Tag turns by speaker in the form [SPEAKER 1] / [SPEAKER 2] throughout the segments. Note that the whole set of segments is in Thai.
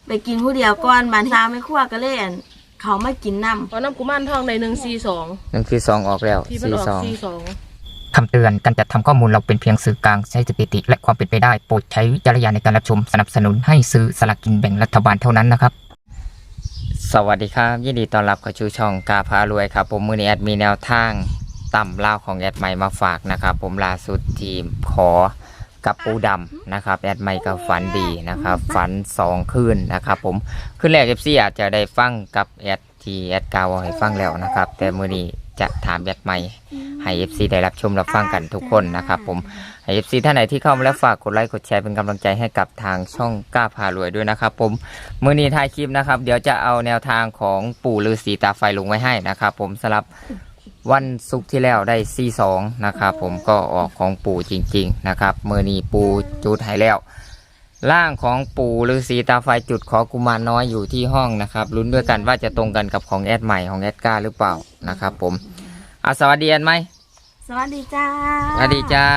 [SPEAKER 1] ไปกินผู้เดียวก่อนบันทาไม่คั่วก็เลยเขามากินน้ำ
[SPEAKER 2] เพราะน้ำกุมารทองใน
[SPEAKER 3] 142ออกแล้ว
[SPEAKER 2] ที่มันออก42
[SPEAKER 4] คำเตือนการจัดทำข้อมูลเราเป็นเพียงสื่อกลางใช้สถิติและความเป็นไปได้โปรดใช้วิจารณญาณในการรับชมสนับสนุนให้ซื้อสลากกินแบ่งรัฐบาลเท่านั้นนะครับ
[SPEAKER 3] สวัสดีครับยินดีต้อนรับเข้าสู่ช่องกาพารวยครับผมมือนี้แอดมีแนวทางต่ำเล่าของแอดใหม่มาฝากนะครับผมล่าสุดทีมขอกับปูดำนะครับแอดใหม่ก็ฝันดีนะครับฝัน2คืนนะครับผมคืนแรกเอฟซีอาจจะได้ฟังกับแอดที่แอดกาวให้ฟังแล้วนะครับแต่มือนี้จะถามแอดใหม่ให้เอฟซีได้รับชมรับฟังกันทุกคนนะครับผมให้เอฟซีท่านไหนที่เข้ามาแล้วฝากกดไลค์กดแชร์เป็นกำลังใจให้กับทางช่องกล้าพารวยด้วยนะครับผมมือนี้ท้ายคลิปนะครับเดี๋ยวจะเอาแนวทางของปู่ฤาษีตาไฟลงไว้ให้นะครับผมสำหรับวันศุกร์ที่แล้วได้42นะครับผมก็ออกของปู่จริงๆนะครับมือนี้ปู่จุดให้แล้วร่างของปู่ฤาษีตาไฟจุดขอกุมารน้อยอยู่ที่ห้องนะครับลุ้นด้วยกันว่าจะตรงกันกับของแอดใหม่ของแอดก้าหรือเปล่านะครับผมสวัสดีแอดไหม
[SPEAKER 1] สวัสดีจ้า
[SPEAKER 3] สวัสดีจ้า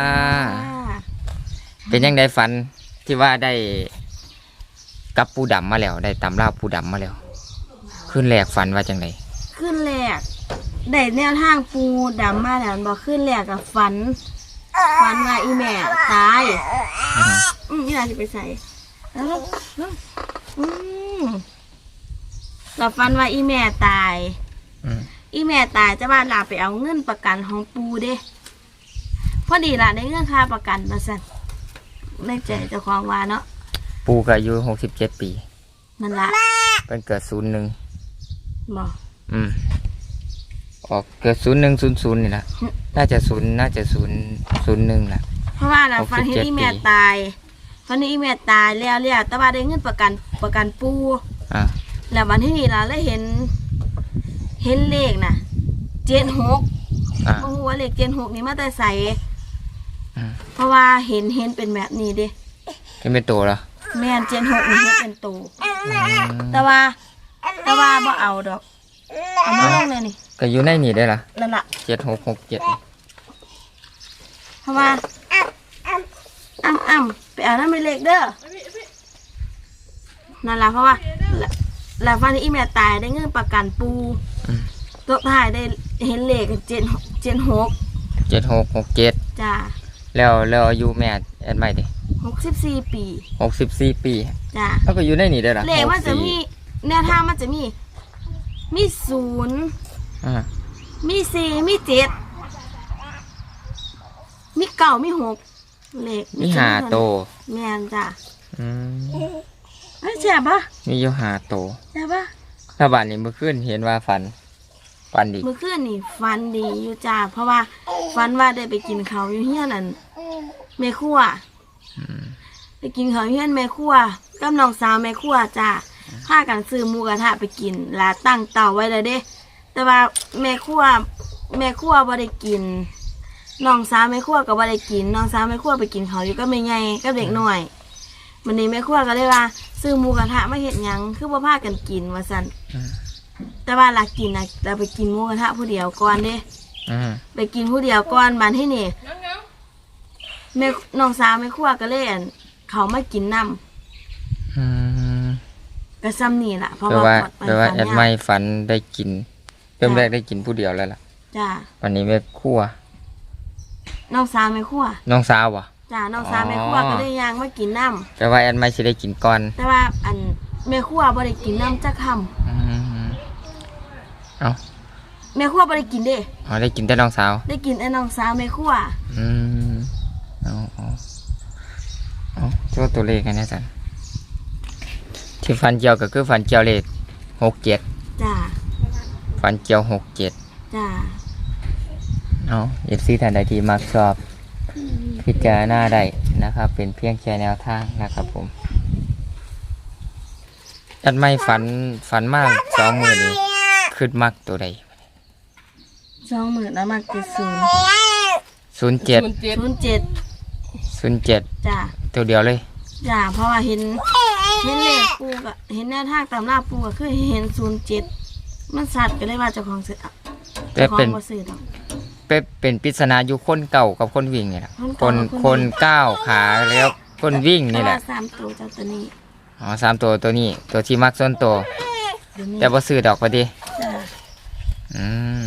[SPEAKER 3] เป็นยังไงฝันที่ว่าได้กับปูดำมาแล้วได้ตำราปูดำมาแล้วขึ้นแรกฝันว่าจังไง
[SPEAKER 1] ขึ้นแรกได้แนวทางปูดำมาแล้วบอกขึ้นแรกกับฝันว่าอีแม่ตายนี่น่าจะไปใส่แล้วเราฝันว่าอีแม่ตายอีแม่ตายจะบ้านลาไปเอาเงินประกันของปูเด้พอดีล่ะได้เงินค่าประกันมาสั่นในใจเจ้าของว่าเนาะ
[SPEAKER 3] ปูก็อายุ67 ปี
[SPEAKER 1] นั่นละ
[SPEAKER 3] เป็นเกิด01
[SPEAKER 1] บอก
[SPEAKER 3] ออกเกิด0100นี่แหละน่าจะ01แหละ
[SPEAKER 1] เพราะว่าเราฟันที่อีแม่ตายฟันที่อีแม่ตายแล้วแต่ว่าได้เงินประกันปูแล้ววันที่นี่เราเลยเห็นเลขน่ะ76โอ้โหเลข76นี่มาแต่ใส่เพราะว่าเห็นเป็นแบบนี้เด้
[SPEAKER 3] เป็นตัวเหรอ
[SPEAKER 1] แม่น76นี่เห็นเป็นตัวแต่ว่าบ่เอาดอกเอามาลงเลยนี่
[SPEAKER 3] ก็อยู่ในนี่ได้ล่ะ
[SPEAKER 1] นั่นล่ะ
[SPEAKER 3] 7667
[SPEAKER 1] เพราะว่าไปเอานั่นเป็นเลขเด้อนั่นล่ะเพราะว่าแล้วฟันที่อีแม่ตายได้เงินประกันปูตัวถ่ายได้เห็นเลข76
[SPEAKER 3] จ้าแล้วอายุแม่แอดใหม่ดิ
[SPEAKER 1] 64 ปี
[SPEAKER 3] 64 ปี
[SPEAKER 1] จ้า
[SPEAKER 3] แล้วก็อยู่ในนี่ได้ล่ะ
[SPEAKER 1] เลขมันจะมีแนวทางมันจะมี0มี4มี7มี9มี6เลข
[SPEAKER 3] มี5โต
[SPEAKER 1] แม่นจ้ะแช่ปะ
[SPEAKER 3] มีอยู่5โต
[SPEAKER 1] แช่ปะ
[SPEAKER 3] ถ้าบ้านนี้เมื่อคืนเห็นว่าฝันดี
[SPEAKER 1] เมื่อคืนนี่ฝันดีอยู่จ้าเพราะว่าฝันว่าได้ไปกินข้าวอยู่เฮียนนั่นแม่ครัวไปกินข้าวเฮียนแม่ครัวกับน้องสาวแม่ครัวจ้าพากันซื้อหมูกระทะไปกินลาตั้งเตาไว้เลยเด้แต่ว่าแม่ครัวบ่ได้กินน้องสาวแม่ครัวก็บ่ได้กินน้องสาวแม่ครัวไปกินข้าวอยู่ก็ไม่ไงก็เด็กหน่อยวันนี้แม่ครัวก็เลยว่าซื้อหมูกระทะมาเฮ็ดหยังคือบ่พากันกินว่าซั่นแต่ว่าลากินน่ะเราไปกินหมูกระทะผู้เดียวก่อนเด้ไปกินผู้เดียวก่อนบัดที่นี่แม่น้องสาวแม่ครัวก็เลยเขามากินน้ำก็ซ้ำนี่แหละเพราะว่า
[SPEAKER 3] แอดไม่ฝันได้กินเริ่มแรกได้กินผู้เดียวแล้วล่ะ
[SPEAKER 1] จ้า
[SPEAKER 3] วันนี้แม่ครัว
[SPEAKER 1] น้องสาวแม่ครัว
[SPEAKER 3] น้องสาววะ
[SPEAKER 1] จ้าน้องสาวแม่ครัวก็ได้ย่างมากินน้ำ
[SPEAKER 3] แต่ว่าแอดไม่จะได้กินก่อน
[SPEAKER 1] แต่ว่าแม่ครัวบ่ได้กินน้ำจักคำแม่ครัวบ่ได้กินเด้
[SPEAKER 3] ได้กินแต่น้องสาว
[SPEAKER 1] ได้กินแต่น้องสาวแม่ครัว
[SPEAKER 3] โชว์ตัวเลขกันนะจันที่ฟันเจียวก็คือฟันเจียวเลข67
[SPEAKER 1] จ้า
[SPEAKER 3] ฟันเจียว67
[SPEAKER 1] จ้า
[SPEAKER 3] FC ท่านใดที่มักชอบพิจารณาได้นะครับเป็นเพียงแค่แนวทางนะครับผมอันไม่ฝันมาก2 มื้อนี้ขึ้นมักตัวใด
[SPEAKER 1] 20,000แล้วมัก
[SPEAKER 3] 07
[SPEAKER 1] จ้า
[SPEAKER 3] ตัวเดียวเลย
[SPEAKER 1] จ้าเพราะว่าเห็นเลขปูก็เห็นแนวทางตำราปูก็คือเห็น07มันสัตว์ก็เลยว่าเจ้าของซื้อบ่ซื้อดอก
[SPEAKER 3] เป็นปริศนาอยู่คนเก่ากับคนวิ่งนี่แหละคนก้าวขาแล้วคนวิ่งนี่แหละ
[SPEAKER 1] 3ตัวเจ้าตัวนี้
[SPEAKER 3] อ๋อ3ตัวตัวนี้ตัวที่มักส่วนตัว
[SPEAKER 1] เดี๋ยวนี้
[SPEAKER 3] แต่บ่ซื้อดอกพอดี
[SPEAKER 1] จ้า
[SPEAKER 3] อืม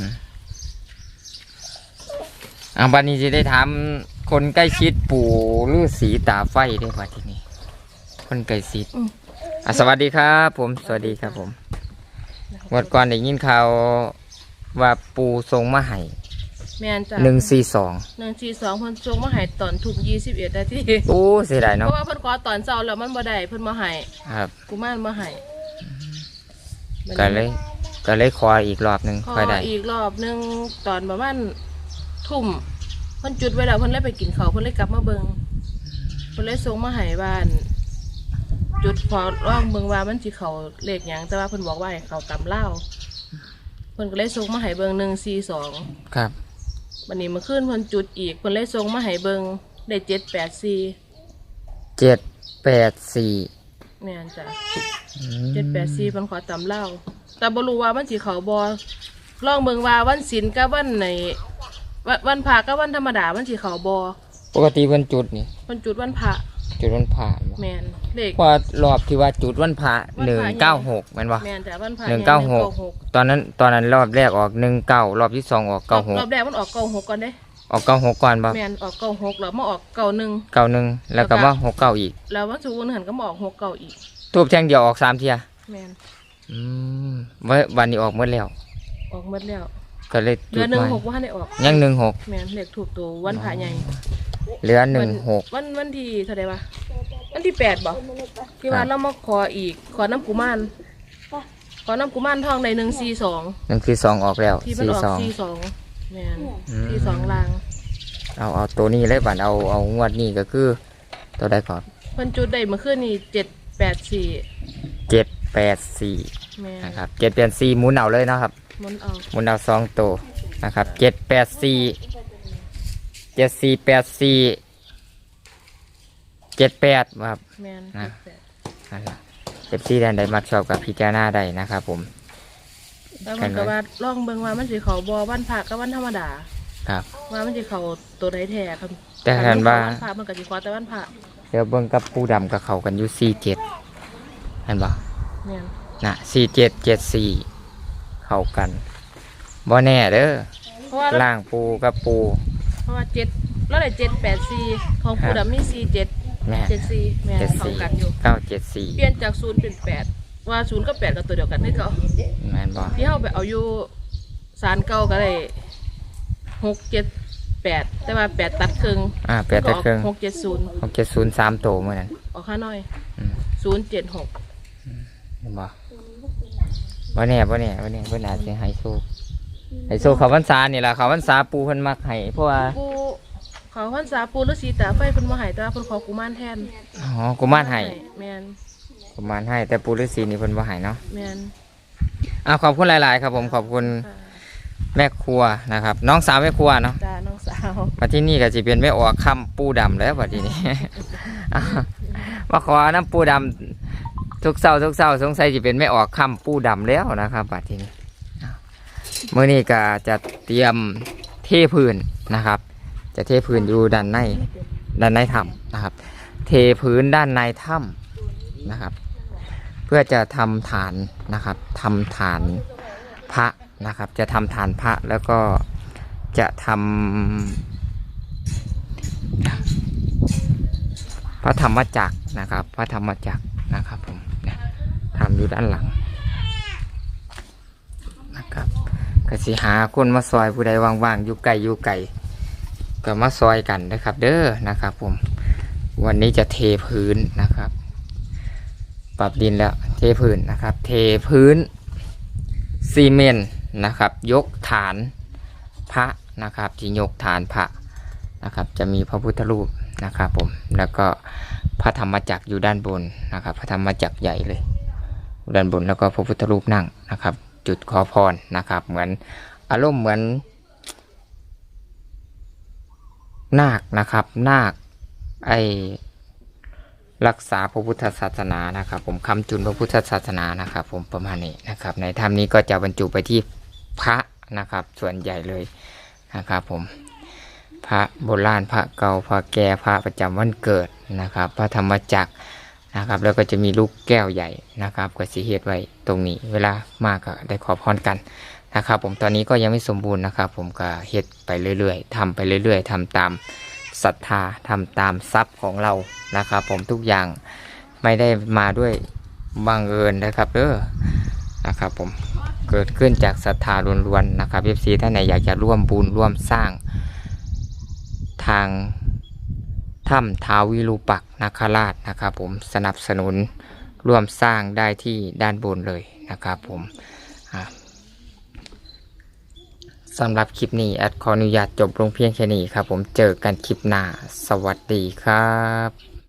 [SPEAKER 3] บัดนี้จะได้ถามคนใกล้ชิดปู่ฤาษีตาไฟได้ป่ะทีนี้ คนใกล้ชิดสวัสดีครับผมสวัสดีครับผมวันก่อนได้ยินข่าวว่าปู่ทรงมาให้
[SPEAKER 2] แม่นจ้ะ
[SPEAKER 3] 142
[SPEAKER 2] 142เพิ่นส่งมาให้ตอนทุ่ม21นาที
[SPEAKER 3] โอ้เสียดาย
[SPEAKER 2] เพ
[SPEAKER 3] เนาะ
[SPEAKER 2] ราะว่าเพิ่นขอตอนเช้าแล้วมันบ่ได้เพิ่นมาให้
[SPEAKER 3] ครับ
[SPEAKER 2] กุมารมาให้
[SPEAKER 3] ก็เลยขออีกรอบหนึ่ง
[SPEAKER 2] ขอ
[SPEAKER 3] ค่อยได้
[SPEAKER 2] อีกรอบหนึงตอนประมาณทุ่มเพิ่นจุดไว้แล้วเพิ่นเลยไปกินข้าวเพิ่นเลยกลับมาเบิ่งเพิ่นเลยส่งมาให้บ้าน จุดพอร่องเบิ่งว่ามันสิเข้าเลขหยังแต่ว่าเพิ่นบอกว่าให้เข้าตำเล่าวเพิ่นก็เลยส่งมาให้เบิ่ง142
[SPEAKER 3] ครับ
[SPEAKER 2] วันนี้เมื่อคืนเพิ่นจุดอีกเพิ่นเลยส่งมาให้เบิ่งได้784
[SPEAKER 3] 784
[SPEAKER 2] แม่นจ้ะ784เพิ่นขอตำเล่าวแต่บ่รู้ว่ามันสิเข้าบ่ลองเบิ่งว่าวันศีลกับวันไหนวันพระกับวันธรรมดามันสิเข้าบ่
[SPEAKER 3] ปกติวันจุดนี่
[SPEAKER 2] เพิ่นจุดวันพระ
[SPEAKER 3] จุดวันพระบ่
[SPEAKER 2] แม่นเลข
[SPEAKER 3] ว่ารอบที่ว่าจุดวันพระ196แม่นบ่
[SPEAKER 2] แม่นจ้ะวันพระ
[SPEAKER 3] 196ตอนนั้นรอบแรกออก19รอบที่2ออก
[SPEAKER 2] รอบ
[SPEAKER 3] 96
[SPEAKER 2] แรกมันออก96ก่อนเด้
[SPEAKER 3] ออก96ก่อนบ่
[SPEAKER 2] แม่นออก96แล้วมาออก91
[SPEAKER 3] 91แล้วก็มา69อีก
[SPEAKER 2] แล้ววันศุกร์วันหันก็มาออก69อีก
[SPEAKER 3] ทูบแท่งเดียวออก3เที่ย
[SPEAKER 2] แม่น
[SPEAKER 3] อืมวันนี้ออกหมดแล้ว
[SPEAKER 2] ออกหมดแล้ว
[SPEAKER 3] ก็เลย
[SPEAKER 2] เหลื
[SPEAKER 3] จุ
[SPEAKER 2] อ
[SPEAKER 3] ดใหม่
[SPEAKER 2] 16บ่ทันได้ออก
[SPEAKER 3] ยัง16
[SPEAKER 2] แม่นเลขถูกตัววันพระใหญ่
[SPEAKER 3] เหลือ
[SPEAKER 2] วันที่เท่าไหร่วะวันที่8บ่ที่ว่าเรามาขออีกขอน้ำกุมารทองใน142
[SPEAKER 3] 16นั่นคือ2ออกแล้ว
[SPEAKER 2] ที่มันออก
[SPEAKER 3] 42
[SPEAKER 2] 42แม่น42ลาง
[SPEAKER 3] เอาตัวนี้เลยบัดเอางวดนี้ก็คือตัวใดก่อน
[SPEAKER 2] เพิ่นจุดได้เมื่อคืนนี้784
[SPEAKER 3] 784
[SPEAKER 2] แม่น
[SPEAKER 3] นะครับ784หมุนเอาเลยนะครับ
[SPEAKER 2] หมุนเอา
[SPEAKER 3] หมุนเอา2ตัวนะครับ784 7484 78ครับ
[SPEAKER 2] แม่น
[SPEAKER 3] นะ นั่นล่ะ14แดนใดมักชอบกับพิจารณาได้นะครับผม
[SPEAKER 2] แล้วมันก็ว่าลองเบิ่งว่ามันสิเข้าบ่วันพระกับวันธรรมดา
[SPEAKER 3] ครับ
[SPEAKER 2] ว่ามันจะเข้าตัวใดแท้ครับ
[SPEAKER 3] แต่เห็นว่า
[SPEAKER 2] วันพระมันก็สิขอแต่วันพระ
[SPEAKER 3] เดี๋ยวเบิ่งกับปูดำกับเขากันอยู่47เห็นบ่
[SPEAKER 2] แม่น
[SPEAKER 3] น่ะ4774เข้ากันบ่แน่เด้อ
[SPEAKER 2] เพราะว่า
[SPEAKER 3] ล่างปูกับปู
[SPEAKER 2] เพราะว่า7แล้วได้784ของผู้ดำมี47
[SPEAKER 3] แม่
[SPEAKER 2] 74แม่นเข้ากันอยู่
[SPEAKER 3] 974
[SPEAKER 2] เปลี่ยนจาก0เป็น8ว่า0กับ8ก็ตัวเดียวกันคือเก่า
[SPEAKER 3] แม่นบ่
[SPEAKER 2] ที่เฮาไปเอาอยู่ศาลเก่าก็ได้6 7 8แต่ว่า8ตัดครึ่ง
[SPEAKER 3] แปดแต่เครื่อง
[SPEAKER 2] 670
[SPEAKER 3] 670 3โตวมื้อนั้น
[SPEAKER 2] ออกค่าน้อย
[SPEAKER 3] อืม
[SPEAKER 2] 076
[SPEAKER 3] เห็นบ่บ่แน่เพิ่นอาจสิให้โชคเขาพรรษานี่ล่ะเขาพรรษาปูเพิ่นมักให้เพราะว่า
[SPEAKER 2] ปูเขาพรรษาปูฤาษีตาไฟเพิ่นบ่ให้แต่ว่าเพิ่นขอกุมารแทน
[SPEAKER 3] อ๋อกุมารให้
[SPEAKER 2] แม่น
[SPEAKER 3] กุมารให้แต่ปูฤาษีนี่เพิ่นบ่ให้เนาะ
[SPEAKER 2] แม่น
[SPEAKER 3] ขอบคุณหลายๆครับผมขอบคุณ
[SPEAKER 2] ค่ะ
[SPEAKER 3] แม่ครัวนะครับ น้องสาวแม่ครัวเนาะ
[SPEAKER 2] จ้าน้องสาว
[SPEAKER 3] มาที่นี่ก็สิเป็นแม่ออกคำปูดำแล้วบัดนี้ มาขอน้ำปูดำทุกเช้าสงสัยสิเป็นแม่ออกคำปูดำแล้วนะครับบัดนี้มื้อนี้ก็จะเตรียมเทพื้นนะครับ จะเทพื้นอยู่ด้านในถ้ำนะครับ เทพื้นด้านในถ้ำนะครับ เพื่อจะทำฐานนะครับทำฐานพระนะครับ จะทำฐานพระแล้วก็จะทำพระธรรมจักรนะครับ พระธรรมจักรนะครับผมเนี่ยทำอยู่ด้านหลังนะครับก็สิหาคนมาซอยผู้ใดว่างๆอยู่ไกลก็มาซอยกันนะครับ เด้อนะครับผมวันนี้จะเทพื้นนะครับ ปรับดินแล้วเทพื้นนะครับ เทพื้นซีเมนต์นะครับ ยกฐานพระนะครับที่ยกฐานพระนะครับ จะมีพระพุทธรูปนะครับผมแล้วก็พระธรรมจักรอยู่ด้านบนนะครับ พระธรรมจักรใหญ่เลยด้านบนแล้วก็พระพุทธรูปนั่งนะครับ จุดขอพรนะครับ เหมือนอารมณ์เหมือนนาคนะครับนาครักษาพระพุทธศาสนานะครับ ผมคำจุนพระพุทธศาสนานะครับผมประมาณนี้นะครับ ในธรรมนี้ก็จะบรรจุไปที่พระนะครับ ส่วนใหญ่เลยนะครับผมพระโบราณพระเก่าพระแก่พระประจำวันเกิดนะครับ พระธรรมจักรนะครับแล้วก็จะมีลูกแก้วใหญ่นะครับก็สิเฮ็ดไว้ตรงนี้เวลามากก็ได้ขอพรกันนะครับผมตอนนี้ก็ยังไม่สมบูรณ์นะครับผมก็เฮ็ดไปเรื่อยๆทำไปเรื่อยๆทำตามศรัทธาทำตามทรัพย์ของเรานะครับผมทุกอย่างไม่ได้มาด้วยบังเอิญนะครับนะครับผมเกิดขึ้นจากศรัทธาล้วนๆนะครับ FC ท่านไหนอยากจะร่วมบุญร่วมสร้างทางถ้ำท้าววิรูปักษ์นาคราชนะครับผมสนับสนุนร่วมสร้างได้ที่ด้านบนเลยนะครับผมสำหรับคลิปนี้แอดขออนุญาตจบลงเพียงแค่นี้ครับผมเจอกันคลิปหน้าสวัสดีครับ